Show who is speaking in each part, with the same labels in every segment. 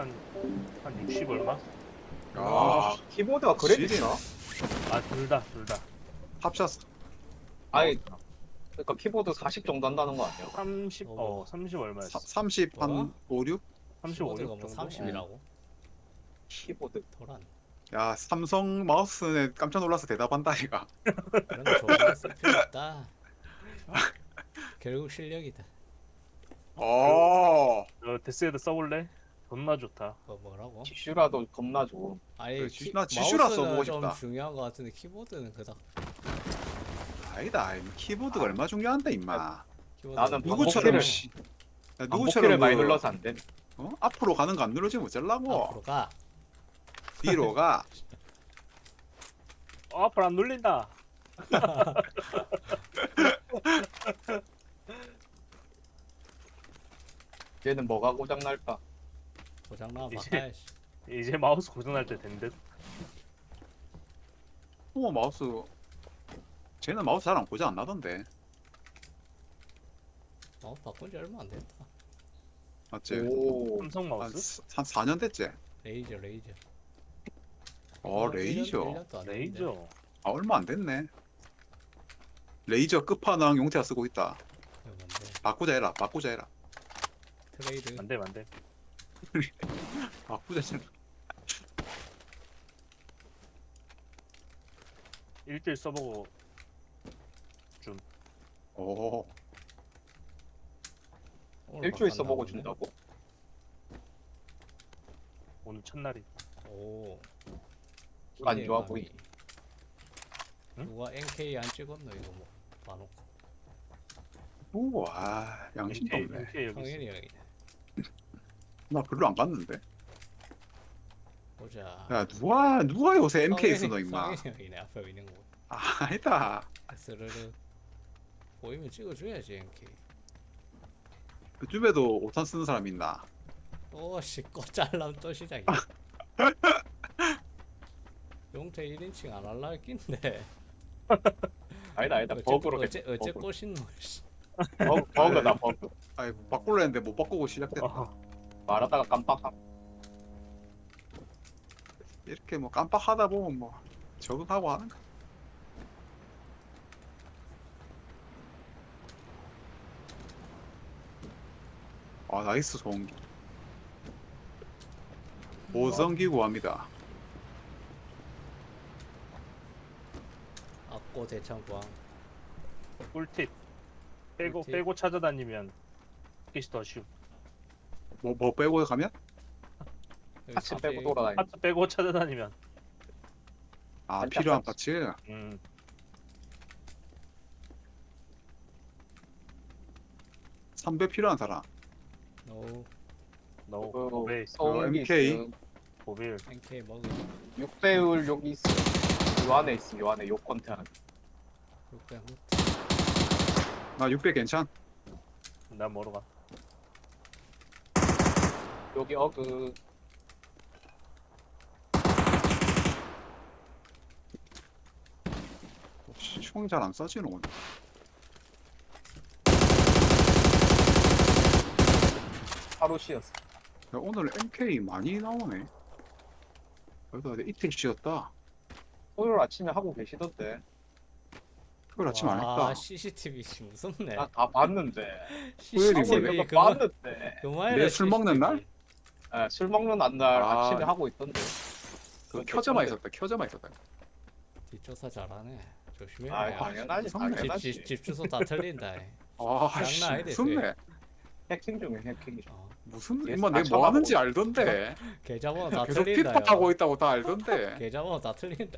Speaker 1: 한 60 얼마?
Speaker 2: 아,
Speaker 3: 키보드가 그래 비싸?
Speaker 1: 아, 둘 다.
Speaker 2: 합쳤어.
Speaker 3: 아니, 그러니까 키보드 40 정도 한다는 거 아니야?
Speaker 1: 30 얼마였어?
Speaker 2: 30
Speaker 4: 뭐야?
Speaker 2: 한 5, 6?
Speaker 1: 35,
Speaker 4: 키보드가
Speaker 1: 6
Speaker 4: 뭐
Speaker 1: 정도?
Speaker 4: 30이라고?
Speaker 3: 키보드.
Speaker 4: 도란.
Speaker 2: 야, 삼성 마우스는 깜짝 놀라서 대답한다 이가.
Speaker 4: 그런 거 좋은 거 쓸 필요 없다. 결국 실력이다.
Speaker 2: 어.
Speaker 1: 데스헤드 써볼래? 존나 좋다.
Speaker 4: 그거 뭐라고?
Speaker 3: 지슈라도 겁나 좋아.
Speaker 4: 아니
Speaker 2: 그래, 나 지슈라
Speaker 4: 마우스는
Speaker 2: 써보고
Speaker 4: 좀
Speaker 2: 싶다.
Speaker 4: 중요한 거 같은데 키보드는 그닥.
Speaker 2: 아니다. 키보드가 얼마 중요한데 임마.
Speaker 4: 키보드
Speaker 3: 나는
Speaker 2: 누구처럼
Speaker 3: 반복키를-
Speaker 2: 씨. 야,
Speaker 3: 반복키를
Speaker 2: 누구처럼
Speaker 3: 많이
Speaker 2: 그,
Speaker 3: 눌러서 안 돼.
Speaker 2: 앞으로 가는 거 안 누르지면 어쩌려고.
Speaker 4: 앞으로 가.
Speaker 2: 뒤로 가.
Speaker 1: 앞으로 안 눌린다.
Speaker 3: 얘는 뭐가 고장 날까?
Speaker 4: 고장나
Speaker 1: 이제-
Speaker 4: 바꿔야지.
Speaker 1: 이제 마우스 고장날 때 된 듯.
Speaker 2: 마우스. 쟤는 마우스 잘 안 고장 안 나던데.
Speaker 4: 바꾼 지 얼마 안 됐다.
Speaker 2: 맞지?
Speaker 3: 오,
Speaker 1: 삼성
Speaker 2: 한,
Speaker 1: 마우스?
Speaker 2: 한 4년 됐지?
Speaker 4: 레이저.
Speaker 2: 레이저.
Speaker 4: 1년도 안 됐는데.
Speaker 1: 레이저.
Speaker 2: 아, 얼마 안 됐네. 레이저 끝판왕 용태가 쓰고 있다.
Speaker 4: 이거 뭔데?
Speaker 2: 바꾸자 해라. 바꾸자 해라.
Speaker 4: 트레이드.
Speaker 1: 안돼.
Speaker 2: 바꾸자 해라.
Speaker 1: 1대1 써보고
Speaker 2: 오.
Speaker 4: 오늘
Speaker 3: 일주일
Speaker 4: 바꿨나
Speaker 3: 써보고
Speaker 4: 보네.
Speaker 3: 준다고?
Speaker 1: 오늘 첫날이.
Speaker 4: 오.
Speaker 3: 안 좋아 보이.
Speaker 1: 응?
Speaker 4: 누가 NK 안 찍었노 이거 뭐 봐놓고.
Speaker 2: 우와, 양심도 없네.
Speaker 1: MK 여기
Speaker 4: 성현이
Speaker 1: 있어.
Speaker 4: 형이네.
Speaker 2: 나 별로 안 봤는데.
Speaker 4: 보자.
Speaker 2: 야, 누가 요새 MK 쓰노, 임마.
Speaker 4: 성현이 형이네 앞에 있는 거.
Speaker 2: 아, 아니다.
Speaker 4: 스르르. 보이면 찍어줘야지 NK.
Speaker 2: 요즘에도 5탄 쓰는 사람 있나?
Speaker 4: 또 씻고 잘라면 또 시작이야. 용태 1인칭 안 할라 했긴데.
Speaker 3: 아니다. 버그로
Speaker 4: 어째
Speaker 3: 버그.
Speaker 4: 꼬신노. 씨.
Speaker 3: 버그다 버그.
Speaker 2: 아이, 바꾸려 했는데 못 바꾸고 시작됐다.
Speaker 3: 말하다가 깜빡함.
Speaker 2: 이렇게 뭐 깜빡하다 보면 뭐 적응하고 하는 거. 아, 나이스 소음기. 보성기 구합니다.
Speaker 4: 악고 대창광.
Speaker 1: 꿀팁.
Speaker 4: 꿀팁.
Speaker 1: 빼고 찾아다니면 get이 더 쉬움.
Speaker 2: 뭐 빼고 가면?
Speaker 4: 여기
Speaker 3: 같이
Speaker 4: 사지-
Speaker 3: 빼고 돌아다니.
Speaker 1: 파트 빼고 찾아다니면.
Speaker 2: 아,
Speaker 3: 살짝
Speaker 2: 필요한
Speaker 3: 같이.
Speaker 2: 파츠.
Speaker 1: 음.
Speaker 2: 삼배 필요한 사람.
Speaker 4: 노
Speaker 1: 너
Speaker 3: 그
Speaker 1: 고베
Speaker 3: 소음기
Speaker 2: MK.
Speaker 3: 있음.
Speaker 1: 고빌.
Speaker 4: NK 먹어.
Speaker 3: 6배율 여기 있어. 요 안에 있음. 요 안에 요 컨테이너.
Speaker 4: 600
Speaker 2: 나 600 괜찮?
Speaker 1: 난 뭐로 가?
Speaker 3: 여기 어그.
Speaker 2: 총이 잘 안 쏴지는 오늘.
Speaker 3: 하루 쉬었어.
Speaker 2: 야, 오늘 MK 많이 나오네. 그래도 이틀 쉬었다.
Speaker 3: 토요일 아침에 하고 계시던데.
Speaker 2: 그걸 아침 안 했다.
Speaker 4: CCTV 씨 무섭네.
Speaker 3: 다 봤는데.
Speaker 2: 토요일이
Speaker 3: 하고
Speaker 2: 뭐예요?
Speaker 3: 이거 봤는데.
Speaker 4: 그만해라.
Speaker 2: 내술 먹는 날?
Speaker 3: 예, 술 먹는 날
Speaker 2: 아.
Speaker 3: 아침에 하고 있던데.
Speaker 2: 그 켜져만 있었다. 켜져만 있었다.
Speaker 4: 뒷조사 잘하네. 조심해.
Speaker 3: 아,
Speaker 4: 야.
Speaker 3: 당연하지.
Speaker 2: 무섭네.
Speaker 3: 당연하지.
Speaker 4: 집 주소 다 틀린다.
Speaker 2: 아, 씨,
Speaker 4: 장난 아니다,
Speaker 2: 무섭네.
Speaker 3: 해킹 중에 해킹이죠.
Speaker 4: 어,
Speaker 2: 무슨
Speaker 3: 얘
Speaker 2: 임마
Speaker 3: 다
Speaker 2: 내뭐 하는지
Speaker 3: 쳐다보고
Speaker 2: 알던데.
Speaker 4: 계좌번호 다
Speaker 2: 계속
Speaker 4: 틀린다.
Speaker 2: 피파 타고 있다고 다 알던데.
Speaker 4: 계좌번호 다 틀린다.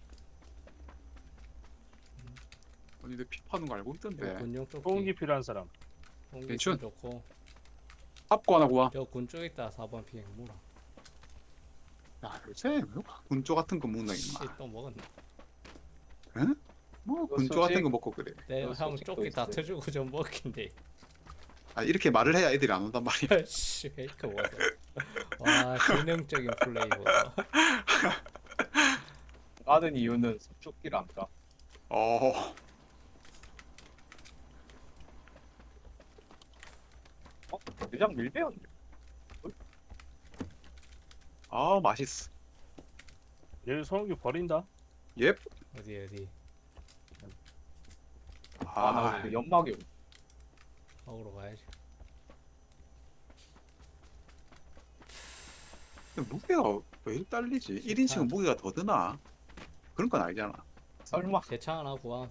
Speaker 2: 아니 내 피파는 거 알고 있던데.
Speaker 4: 군용 쪽.
Speaker 1: 소음기 필요한 사람.
Speaker 2: 괜춘.
Speaker 4: 좋고.
Speaker 2: 합고 하나 구하.
Speaker 4: 저 군쪽 있다 4번 피해 물어.
Speaker 2: 야, 요새 왜 군조 같은 거 먹나 임마.
Speaker 4: 또 먹었네.
Speaker 2: 응? 뭐
Speaker 3: 이거
Speaker 2: 군조 같은 거 먹고 그래.
Speaker 4: 내형
Speaker 3: 솔직히
Speaker 4: 조끼 다
Speaker 3: 있어요.
Speaker 4: 터주고 좀 먹긴데.
Speaker 2: 아, 이렇게 말을 해야 애들이 안 온단 말이야.
Speaker 4: 씨 페이크 뭐야. 와 기능적인 플레이 뭐야.
Speaker 3: 까는 이유는 숲죽기를 안 까.
Speaker 2: 어.
Speaker 3: 대장 밀배였네.
Speaker 2: 아 맛있어.
Speaker 1: 얘 소음기 버린다.
Speaker 2: 예.
Speaker 4: 어디
Speaker 2: 아,
Speaker 3: 아나 연막이
Speaker 4: 먹으러 가야지.
Speaker 2: 무게가 왜 이렇게 딸리지? 1인칭은 무게가 더 드나? 그런 건 아니잖아.
Speaker 3: 설마
Speaker 4: 대창 하나 구함.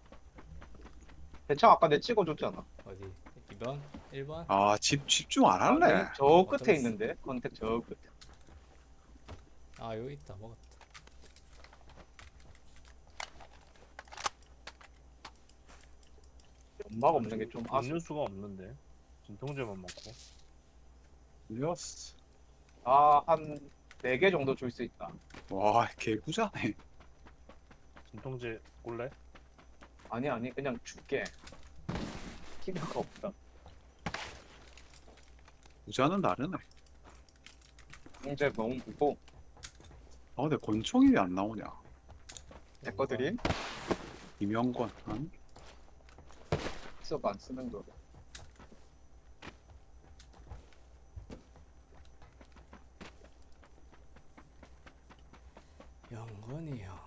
Speaker 3: 대창 아까 내 찍어줬잖아.
Speaker 4: 어디 2번 1번.
Speaker 2: 아, 집중 안 할래.
Speaker 3: 저 끝에
Speaker 4: 들었어.
Speaker 3: 있는데 컨택 저 끝에.
Speaker 4: 아 여기 있다 먹었다.
Speaker 3: 연막 없는 게 좀 아쉽.
Speaker 1: 음료수가 없는데. 진통제만 먹고.
Speaker 2: 예스.
Speaker 3: 아한 4개 정도 줄 수 있다.
Speaker 2: 와, 개구자네.
Speaker 1: 진통제 꼴래?
Speaker 3: 아니 그냥 줄게. 필요가 없다.
Speaker 2: 구자는 다르네.
Speaker 3: 이제 너무 무고
Speaker 2: 아, 근데 권총이 왜 안 나오냐?
Speaker 3: 내 거들이
Speaker 2: 이명권. 아니?
Speaker 3: 썩 안 쓰는 거.
Speaker 4: 영건이요.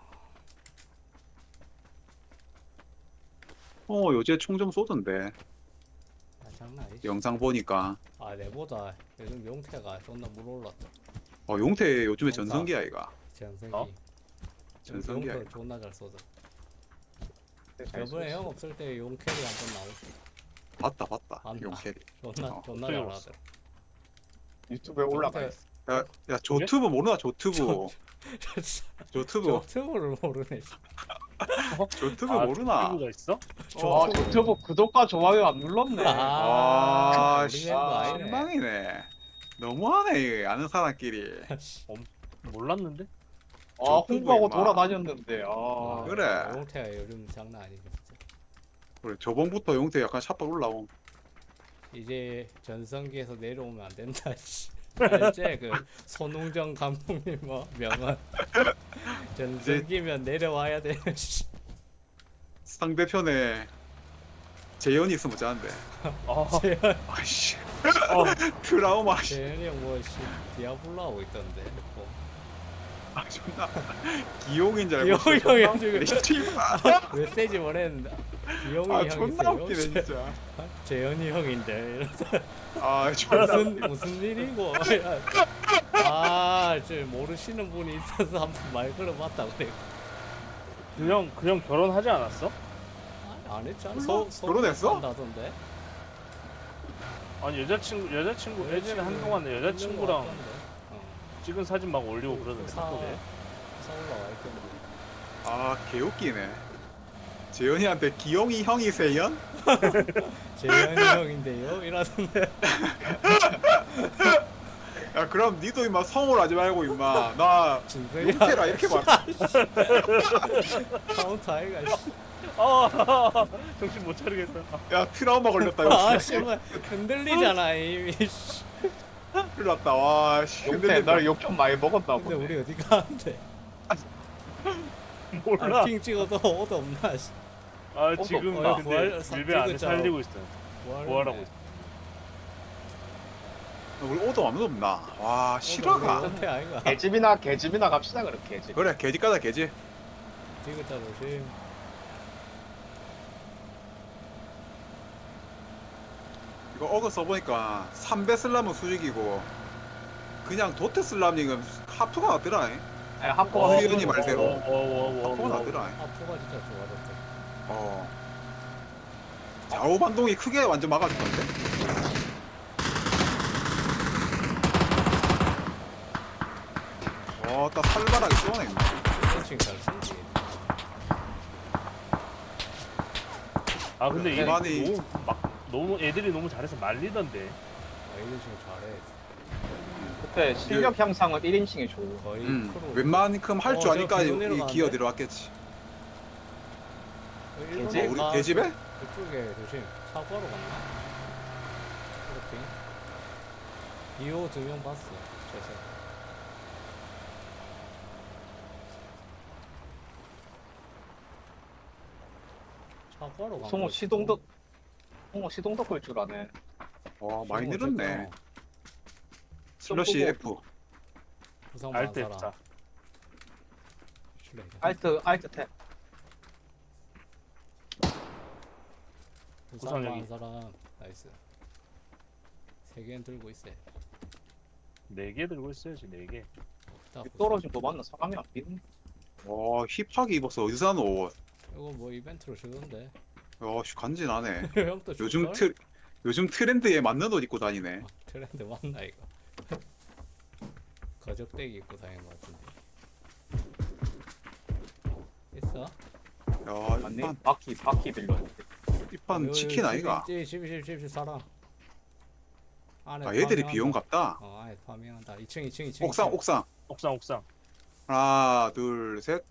Speaker 2: 요새 총 좀 쏘던데.
Speaker 4: 아 장난 아니지.
Speaker 2: 영상 보니까.
Speaker 4: 아 내보다 요즘 용태가 존나 물올랐다.
Speaker 2: 용태 요즘에
Speaker 4: 영상.
Speaker 2: 전성기야, 이가.
Speaker 4: 전성기.
Speaker 1: 어?
Speaker 2: 전성기야.
Speaker 4: 용태 존나 잘 쏘다.
Speaker 3: 잘
Speaker 4: 저번에
Speaker 3: 쏘지.
Speaker 4: 형 없을 때 용캐리 한번 나오고
Speaker 2: 봤다.
Speaker 4: 안
Speaker 2: 용캐리.
Speaker 4: 존나
Speaker 2: 어,
Speaker 4: 존나
Speaker 1: 어떻게
Speaker 4: 잘하더라.
Speaker 3: 유튜브에 올라가
Speaker 4: 용태-
Speaker 3: 있어.
Speaker 2: 야, 조튜브 모르나? 조튜브. 조튜브.
Speaker 4: 저트브를 모르네.
Speaker 2: 조튜브
Speaker 1: 아,
Speaker 2: 모르나?
Speaker 1: 친구가 있어?
Speaker 3: 아 유튜브 구독과 좋아요 안 눌렀네.
Speaker 2: 아,
Speaker 4: 우리 멤버 아니네.
Speaker 2: 실망이네. 너무하네, 이게. 아는 사람끼리.
Speaker 1: 몰랐는데?
Speaker 3: 아 홍보하고
Speaker 2: 임마.
Speaker 3: 돌아다녔는데.
Speaker 4: 아,
Speaker 2: 그래.
Speaker 4: 용태가 요즘 장난 아니죠. 진짜.
Speaker 2: 그래, 저번부터 용태 약간 샷발 올라옴.
Speaker 4: 이제 전성기에서 내려오면 안 된다. 씨. 알지? 그 손웅정 감독님 뭐 명언. 전성기면 내려와야 돼. 씨.
Speaker 2: 상대편에 재현이 있으면 짜는데.
Speaker 1: 아,
Speaker 4: 재현
Speaker 2: 아이씨.
Speaker 1: 어,
Speaker 2: 트라우마. 씨.
Speaker 4: 재현이 형뭐 디아블로 하고 있던데. 뭐.
Speaker 2: 아, 존나. 기용인 줄 알고.
Speaker 4: 기용이 형 지금
Speaker 2: 씨발.
Speaker 4: 메시지 보냈는데 기용이
Speaker 2: 아,
Speaker 4: 형
Speaker 2: 존나
Speaker 4: 있어요.
Speaker 2: 웃기네, 진짜.
Speaker 4: 재현이 형인데 이러면서
Speaker 2: 아, 존나.
Speaker 4: 무슨 일이고? 아, 저 모르시는 분이 있어서 한번 말 걸어봤다 그래.
Speaker 1: 그 형 결혼하지 않았어?
Speaker 4: 아니, 안 했잖아.
Speaker 2: 몰라? 결혼했어?
Speaker 4: 한다던데.
Speaker 1: 아니 여자친구 예전에 한동안 여자친구랑
Speaker 4: 어,
Speaker 1: 찍은 사진 막 올리고 그러던데.
Speaker 4: 사
Speaker 1: 카톡에.
Speaker 4: 올라와 있던데.
Speaker 2: 아, 개웃기네. 재현이한테 기용이 형이 세연?
Speaker 4: 재현이 형인데요? 이러던데.
Speaker 2: 야, 그럼 니도 임마 성을 하지 말고 임마. 나
Speaker 4: 진성이야.
Speaker 2: 용태라 이렇게 말.
Speaker 4: 카운터 아이가. 씨.
Speaker 1: 아, 정신 못 차리겠다.
Speaker 2: 야, 트라우마 걸렸다.
Speaker 4: 아,
Speaker 2: 이거.
Speaker 4: 씨발 흔들리잖아 이미. 씨.
Speaker 2: 큰일 났다. 와, 씨.
Speaker 3: 용태
Speaker 2: 흔들린다.
Speaker 3: 나를 욕 좀 많이 먹었나
Speaker 4: 근데
Speaker 3: 보네.
Speaker 4: 우리 어디 가는데?
Speaker 1: 몰라.
Speaker 4: 아, 핑 찍어도 오도 없나? 씨.
Speaker 1: 아, 지금
Speaker 3: 없다.
Speaker 1: 근데
Speaker 4: 부활
Speaker 1: 밀배 안에
Speaker 4: 찍었잖아.
Speaker 1: 살리고 있어. 부활하고 있어.
Speaker 2: 우리 오도 아무도 없나? 와, 실화가.
Speaker 4: 호태 아이가.
Speaker 3: 개집이나 갑시다 그럼 개집.
Speaker 2: 그래, 개집 가자, 개집.
Speaker 4: 찍었다 조심.
Speaker 2: 이거 어그 써보니까 3배 슬람은 수직이고 그냥 도트 슬람링은 하프가 낫더라.
Speaker 3: 아니 하포가
Speaker 2: 수현이 말대로. 하프가
Speaker 1: 와.
Speaker 2: 낫더라.
Speaker 4: 아포가 진짜 좋아졌다.
Speaker 2: 좌우 반동이 크게 완전 막아줄 건데. 딱 살벌하게 쏘네.
Speaker 4: 펜칭 잘 쓰지.
Speaker 1: 아, 근데 얘
Speaker 2: 많이-
Speaker 1: 너무 애들이 너무 잘해서 말리던데.
Speaker 4: 아, 이런 식으로 잘해.
Speaker 3: 그때 실력 향상은 1인칭이 좋고.
Speaker 4: 거의 프로.
Speaker 2: 웬만큼 할 줄
Speaker 4: 저
Speaker 2: 아니까
Speaker 4: 계속
Speaker 2: 이
Speaker 4: 내려가는데?
Speaker 2: 기어 들어왔겠지.
Speaker 3: 개집?
Speaker 2: 우리 개집에?
Speaker 4: 그쪽에 조심. 사고하러 갔나? 그렇게. 비오 2명 봤어. 저서. 사고하러 간
Speaker 3: 송호
Speaker 4: 거지.
Speaker 3: 시동덕 걸 줄 아네.
Speaker 2: 와, 많이
Speaker 4: 송호
Speaker 2: 늘었네.
Speaker 4: 어쨌거나
Speaker 2: 슬러시
Speaker 3: 좀
Speaker 2: F.
Speaker 4: 부상 많은
Speaker 1: 알트
Speaker 4: 사람.
Speaker 1: F4.
Speaker 4: 실례.
Speaker 3: 알트 탭.
Speaker 4: 부상
Speaker 1: 구상
Speaker 4: 많은
Speaker 1: 여기.
Speaker 4: 사람. 나이스. 3개는 들고 있어.
Speaker 1: 4개 들고 있어야지 4개.
Speaker 4: 딱
Speaker 3: 떨어진 거 맞나? 사람이 안 비는.
Speaker 2: 와 힙하게 입었어. 어디서 산 옷?
Speaker 4: 이거 뭐 이벤트로 주던데.
Speaker 2: 야, 씨, 간지나네.
Speaker 4: 형도
Speaker 2: 요즘
Speaker 4: 줄걸?
Speaker 2: 요즘 트렌드에 맞는 옷 입고 다니네.
Speaker 4: 아, 트렌드 맞나 이거? 거적대기 입고 다니는 것 같은데. 있어?
Speaker 2: 야,
Speaker 3: 맞네.
Speaker 2: 이판
Speaker 3: 바퀴 빌렸는데.
Speaker 2: 이판 치킨 아이가?
Speaker 4: 10 사람. 안에
Speaker 2: 아, 얘들이
Speaker 4: 파밍한다.
Speaker 2: 비용 같다.
Speaker 4: 안에 파밍한다. 2층.
Speaker 2: 옥상.
Speaker 1: 옥상.
Speaker 2: 하나, 둘, 셋.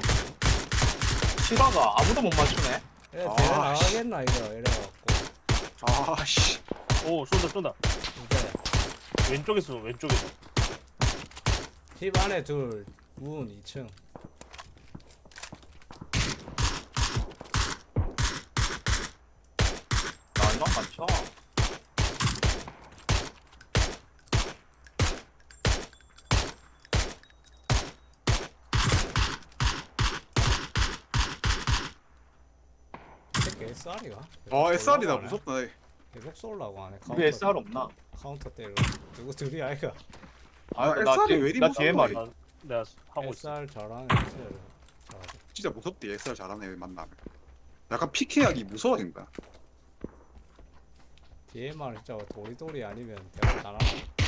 Speaker 3: 시바가 아무도 못 맞추네.
Speaker 4: 예,
Speaker 2: 아,
Speaker 4: 대회 나가겠나 이거 이래갖고.
Speaker 2: 아씨.
Speaker 1: 오 쏜다.
Speaker 4: 이제
Speaker 1: 왼쪽에서 왼쪽에서.
Speaker 4: 집 안에 둘, 문 2층.
Speaker 3: 나 이만 맞춰.
Speaker 4: 새끼 SR이가?
Speaker 2: 아, SR이다. 무섭다.
Speaker 4: 계속 쏠라고 하네.
Speaker 3: 우리 SR 없나?
Speaker 4: 카운터 때려. 누구 둘이 아이가?
Speaker 2: 아,
Speaker 3: 나
Speaker 2: SR이
Speaker 3: 뒤에-
Speaker 2: 왜 이리
Speaker 3: 나 뒤에
Speaker 2: 무서워?
Speaker 3: 말이야.
Speaker 1: 내가 하고 있어.
Speaker 4: SR 잘하는 SR. 잘하지.
Speaker 2: 진짜 무섭대. SR 잘하는 애 만나면. 약간 PK하기 무서워진다.
Speaker 4: DMR 진짜 도리도리 아니면 대박 다 나와.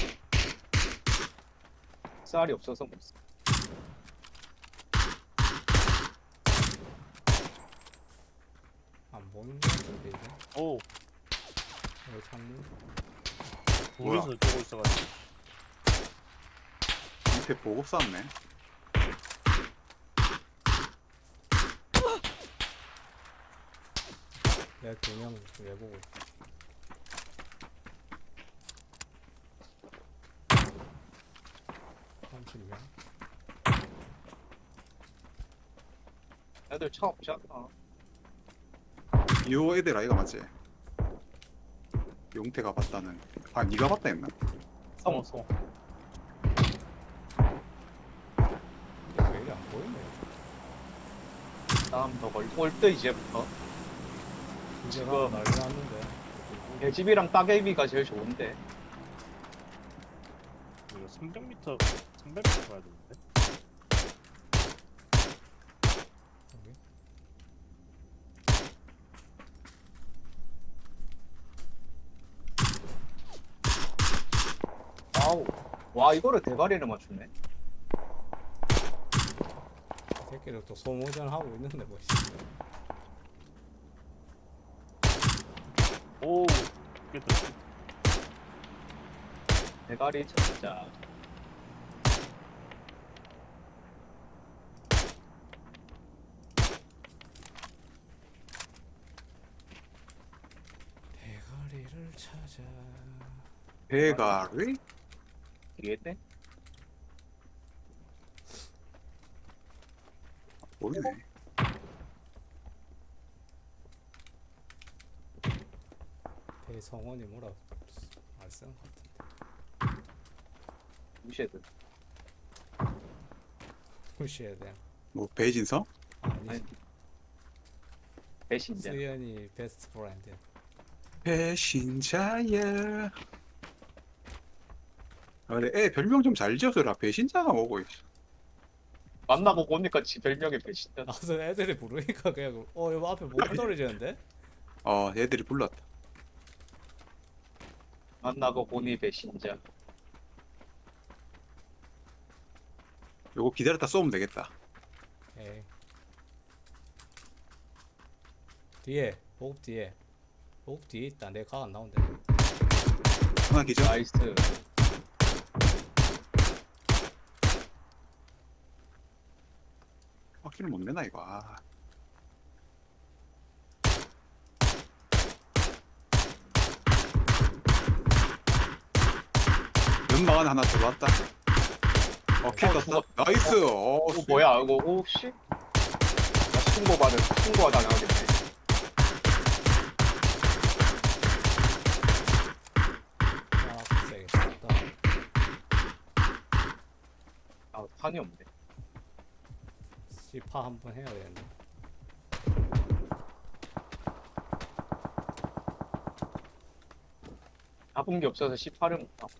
Speaker 3: SR이 없어서 못 써.
Speaker 4: 안 보는 거 같은데 이제.
Speaker 1: 오
Speaker 4: 여기 창문.
Speaker 2: 뭐야?
Speaker 1: 둘이서 쪼고 있어가지고.
Speaker 2: 밑에 보급 쌌네.
Speaker 4: 내가 2명 내보고 있어. (30명)
Speaker 3: 애들 차 없지 않나?
Speaker 2: 이 애들 아이가 맞지? 용태가 봤다는. 아, 네가 봤다 했나?
Speaker 3: 성.
Speaker 4: 왜 이리 안 보이네.
Speaker 3: 다음 더 올때 이제부터.
Speaker 4: 이제가
Speaker 3: 지금-
Speaker 4: 난리 났는데.
Speaker 3: 배집이랑 따개비가 제일 좋은데.
Speaker 1: 이거 300m 가야 되는데.
Speaker 4: 여기?
Speaker 3: 아우. 와 이거를 대가리를 맞추네.
Speaker 4: 이 새끼들 또 소모전 하고 있는데 뭐.
Speaker 1: 오 깼다.
Speaker 3: 대가리 진짜.
Speaker 4: 대가리를 찾아.
Speaker 2: 대가리?
Speaker 3: 뒤에 때?
Speaker 2: 보이네.
Speaker 4: 대성원이 뭐라 말씀 같은데.
Speaker 3: 무시해도.
Speaker 4: 무시해야 돼.
Speaker 2: 뭐 배진성?
Speaker 4: 아니.
Speaker 3: 아니. 배신자.
Speaker 4: 수연이 베스트 프렌드.
Speaker 2: 배신자야. 아, 그래, 애 별명 좀 잘 지어줘라. 배신자가 뭐고.
Speaker 3: 만나고 보니까 지 별명이 배신자.
Speaker 4: 나서 애들이 부르니까 그냥 이거 앞에 뭐가 떨어지는데?
Speaker 2: 애들이 불렀다.
Speaker 3: 만나고 보니 배신자.
Speaker 2: 요거 기다렸다 쏘면 되겠다.
Speaker 4: 에이. 뒤에 보급 뒤에 보급 뒤에 있다. 내 각 안 나온대.
Speaker 2: 하나 기절.
Speaker 3: 나이스.
Speaker 2: 확실히 못 내나 이거. 아. 연막 안에 하나 들어왔다. 킬 떴다.
Speaker 3: 죽었다.
Speaker 2: 나이스.
Speaker 3: 뭐야 이거 오씨. 나 신고하다 나가겠네.
Speaker 4: 아, 세겠다.
Speaker 3: 아, 탄이 없네.
Speaker 4: 시파 한번 해야 되는데.
Speaker 3: 잡은 게 없어서 18을 못 나.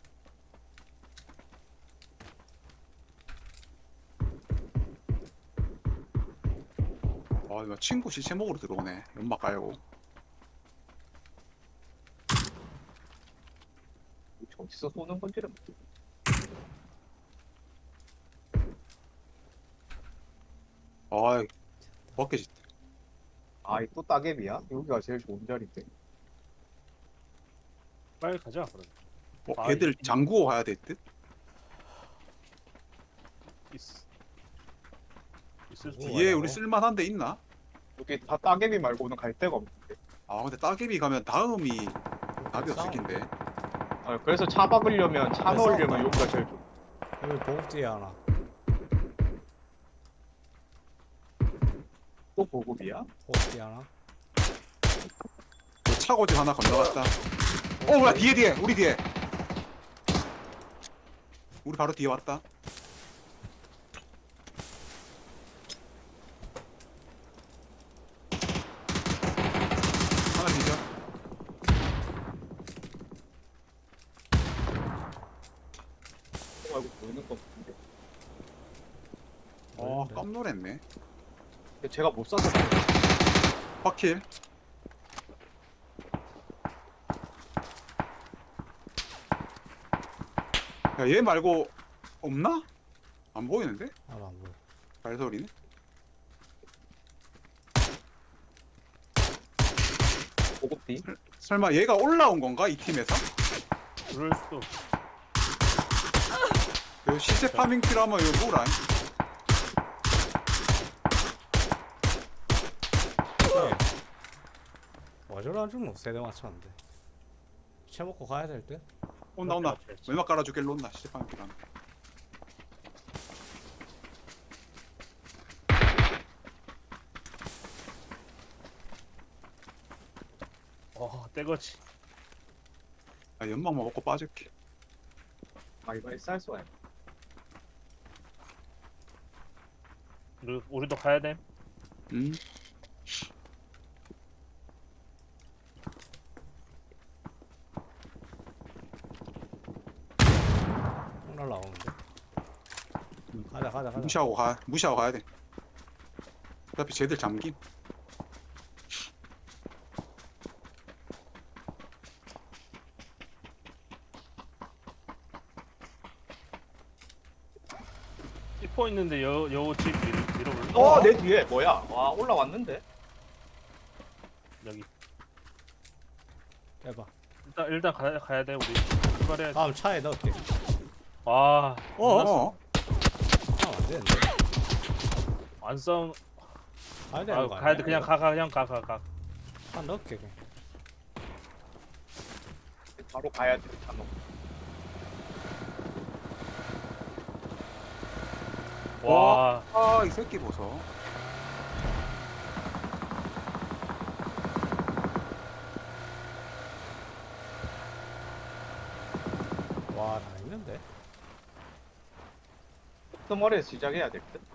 Speaker 2: 아 이거 친구 시체 먹으러 들어오네. 연막 깔고.
Speaker 3: 어디서 쏘는 건지를 모르겠어.
Speaker 2: 아 벗겨지.
Speaker 3: 아, 이 또 따개비야? 여기가 제일 좋은 자리인데.
Speaker 1: 빨리 가자 그럼.
Speaker 2: 걔들 잠그고 가야 될 듯?
Speaker 1: 있을 수
Speaker 4: 뭐
Speaker 2: 뒤에
Speaker 4: 하냐고?
Speaker 2: 우리 쓸만한 데 있나?
Speaker 3: 여기 다 따개비 말고는 갈 데가 없는데.
Speaker 2: 아 근데 따개비 가면 다음이 답이 없을
Speaker 4: 싸움.
Speaker 2: 낀데.
Speaker 3: 아, 그래서 차 박으려면 차
Speaker 4: 왜
Speaker 3: 넣으려면
Speaker 4: 싸운다?
Speaker 3: 여기가 제일 좋아.
Speaker 4: 여기 보급 뒤에 하나.
Speaker 3: 또 보급이야?
Speaker 4: 보급 뒤에 하나.
Speaker 2: 그 차고지 하나 건너갔다. 뭐야 뒤에 우리 뒤에. 우리 바로 뒤에 왔다. 하나 뒤져.
Speaker 3: 또 말고 보이는 거 없는데.
Speaker 2: 깜놀했네.
Speaker 3: 근데 제가 못 쏴서 그래.
Speaker 2: 확킬. 야, 얘 말고 없나? 안 보이는데?
Speaker 4: 하나 안 보여.
Speaker 2: 발소리네.
Speaker 3: 보급 뒤?
Speaker 2: 설마 얘가 올라온 건가? 이 팀에서?
Speaker 1: 그럴 수도.
Speaker 2: 그 시체 파밍 필요하면 이거 뭐라?
Speaker 4: 와저라주면 세대 맞췄는데. 채 먹고 가야 될 듯?
Speaker 2: 온다.
Speaker 1: 그렇지.
Speaker 2: 왼막 깔아주길 놓나 시체 파밍 필요하면.
Speaker 1: 떼거지.
Speaker 2: 아, 연막만 먹고 빠질게.
Speaker 3: 아, 이번에 쌀 쏘야.
Speaker 1: 우리도 가야 돼.
Speaker 2: 음.
Speaker 4: 총 날라오는데. 가자.
Speaker 2: 무시하고 가야 돼. 어차피 쟤들 잠김.
Speaker 1: C4 있는데 여집 밀어볼래?
Speaker 3: 내 뒤에 뭐야? 와, 올라왔는데?
Speaker 1: 여기.
Speaker 4: 해봐.
Speaker 1: 일단 가야 돼 우리. 출발해야 돼.
Speaker 4: 다음 차에 넣을게.
Speaker 1: 아.
Speaker 2: 어.
Speaker 4: 안 되는데.
Speaker 1: 안 싸운.
Speaker 4: 가야 되는 거
Speaker 1: 가야 돼.
Speaker 4: 아니야?
Speaker 1: 그냥 가.
Speaker 4: 한 넣을게 그냥.
Speaker 3: 바로 가야 돼. 차 넣고.
Speaker 1: 와.
Speaker 2: 아, 이 새끼 보소.
Speaker 4: 와, 다 있는데.
Speaker 3: 끄머리에서 시작해야 될 듯?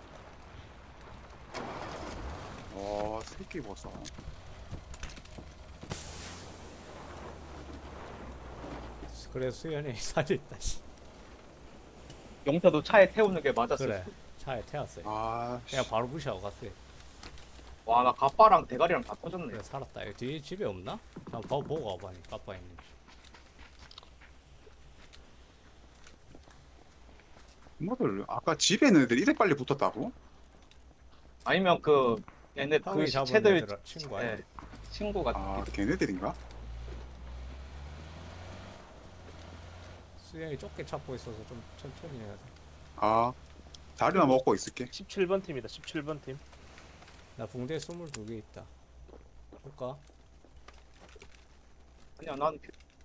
Speaker 2: 새끼 보소.
Speaker 4: 그래 수연이 살이 있다. 씨.
Speaker 3: 용태도 차에 태우는 게 맞았어.
Speaker 4: 그래. 차에 태웠어요.
Speaker 2: 아,
Speaker 4: 그냥 바로 무시하고 갔어요.
Speaker 3: 와, 나 가빠랑 대가리랑 다 터졌네.
Speaker 4: 그래 살았다. 여기 뒤에 집에 없나? 한번 보고 와봐니. 까빠 있는지.
Speaker 2: 뭐들 아까 집에 있는 애들 이래 빨리 붙었다고?
Speaker 3: 아니면 그 얘네 그
Speaker 4: 형이 잡은
Speaker 3: 시체들
Speaker 4: 애들 친구 아니야?
Speaker 3: 예, 친구 같은.
Speaker 2: 아, 걔네들인가?
Speaker 4: 수연이 좁게 찾고 있어서 좀 천천히 해야 돼.
Speaker 2: 아, 자리만 먹고 있을게.
Speaker 1: 17번 팀이다. 17번 팀.
Speaker 4: 나 붕대 22개 있다. 볼까?
Speaker 3: 그냥 난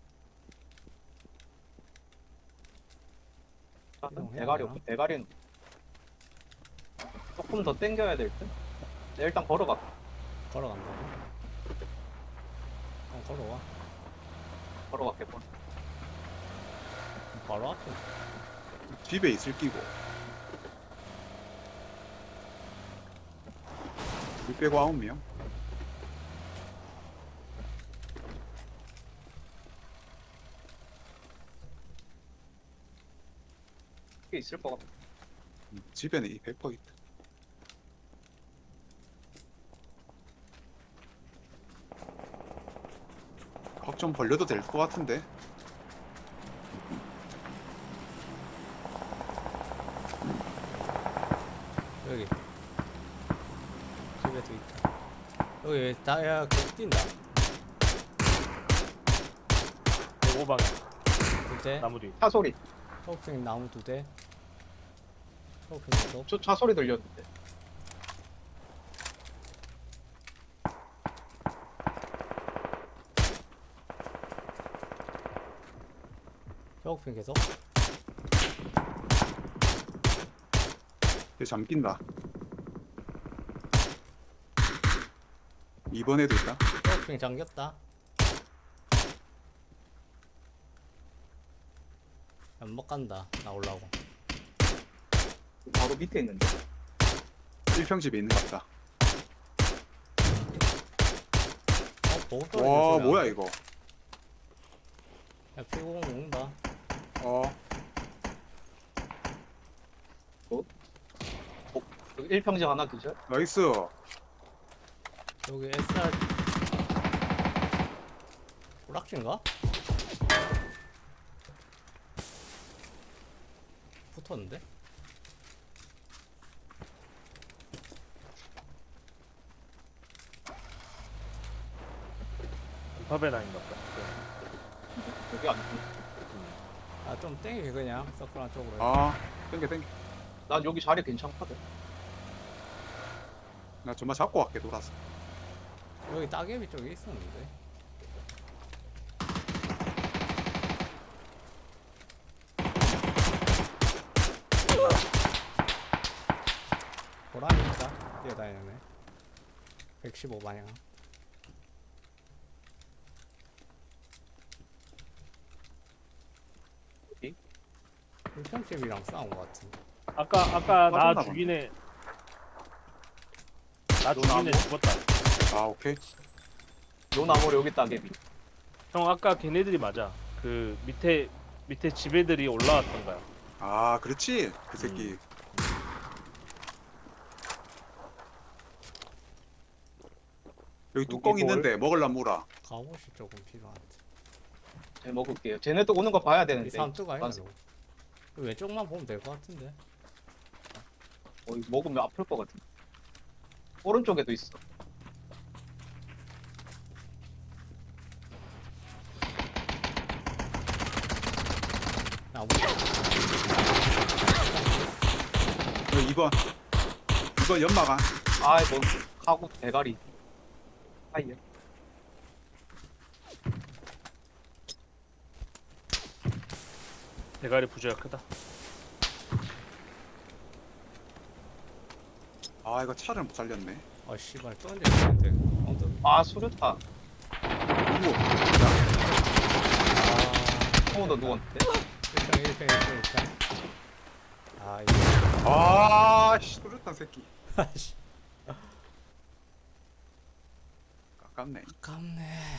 Speaker 4: 이동해야
Speaker 3: 대가리
Speaker 4: 되나?
Speaker 3: 없고 대가리는 조금 더 당겨야 될 듯? 네, 일단 걸어가.
Speaker 4: 걸어간다고? 걸어와.
Speaker 3: 걸어갈게 뭐.
Speaker 4: 바로 앞에.
Speaker 2: 집에 있을 끼고. 우리 빼고 9명.
Speaker 3: 꽤 있을 것 같아.
Speaker 2: 집에는 이 100% 있다. 확 좀 벌려도 될 것 같은데.
Speaker 4: 여기 집에도 있다. 여기 왜 다야 계속 뛴다.
Speaker 1: 105방향
Speaker 4: 두대
Speaker 1: 나무 뒤.
Speaker 3: 차 소리.
Speaker 4: 초록색 나무 두대. 초록색 계속.
Speaker 3: 저 차 소리 들렸는데.
Speaker 4: 초록색 계속.
Speaker 2: 얘 잠긴다. 이번에도 있다.
Speaker 4: 초록색 잠겼다. 못 간다. 나오려고.
Speaker 3: 바로 밑에 있는데.
Speaker 2: 1평집에 있는 것 같다.
Speaker 4: 보고
Speaker 2: 와
Speaker 4: 떨어질
Speaker 2: 뭐야 이거.
Speaker 4: 야 피고공 먹는다.
Speaker 2: 어
Speaker 3: 여기 1평지 하나 기절.
Speaker 2: 나이스.
Speaker 4: 여기 SR 오락진가? 붙었는데?
Speaker 1: 파베나인가 보다.
Speaker 3: 여기 안.
Speaker 4: 아 좀 땡겨 그냥 서클한 쪽으로.
Speaker 2: 아 땡겨.
Speaker 3: 난 여기 자리 괜찮거든.
Speaker 2: 나 정말 잡고 갈게 돌아서.
Speaker 4: 여기 따개비 쪽에 있었는데. 보람이 있다. 뛰어다니네. 115방향.
Speaker 3: 어디?
Speaker 4: 일평집이랑 싸운 것 같은데.
Speaker 1: 아까
Speaker 2: 빠졌나
Speaker 1: 나
Speaker 2: 보네.
Speaker 1: 죽이네. 나
Speaker 3: 너
Speaker 1: 죽이네
Speaker 3: 나무?
Speaker 1: 죽었다.
Speaker 2: 아 오케이.
Speaker 3: 요 나무로 여기 따개비.
Speaker 1: 형 아까 걔네들이 맞아. 그 밑에 집 애들이 올라왔던 거야.
Speaker 2: 아 그렇지 그 새끼. 여기 뚜껑
Speaker 3: 여기
Speaker 2: 있는데 먹을란 물아.
Speaker 4: 갑옷이 조금 필요한데.
Speaker 3: 제 먹을게요. 쟤네도 오는 거 봐야
Speaker 4: 이
Speaker 3: 되는데.
Speaker 4: 삼투가 아니야
Speaker 3: 맞아.
Speaker 4: 너. 왼쪽만 보면 될 것 같은데.
Speaker 3: 이거 먹으면 아플 것 같은데. 오른쪽에도 있어.
Speaker 4: 나무.
Speaker 2: 여기 2번. 2번 연마가.
Speaker 3: 아, 뭐 하고 대가리. 아예.
Speaker 1: 대가리 부재가 크다.
Speaker 2: 아 이거 차를 못 살렸네.
Speaker 4: 아 씨발 또 언제 되는데. 언더.
Speaker 3: 아, 수류탄.
Speaker 2: 누구?
Speaker 3: 너 누웠는데?
Speaker 4: 1평. 아 이거.
Speaker 2: 아씨 뚜렷한 새끼.
Speaker 4: 아씨.
Speaker 2: 아깝네.
Speaker 4: 아깝네.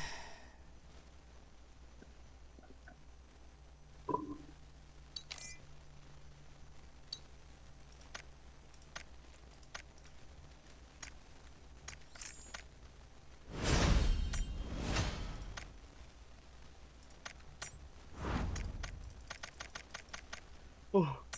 Speaker 1: 어.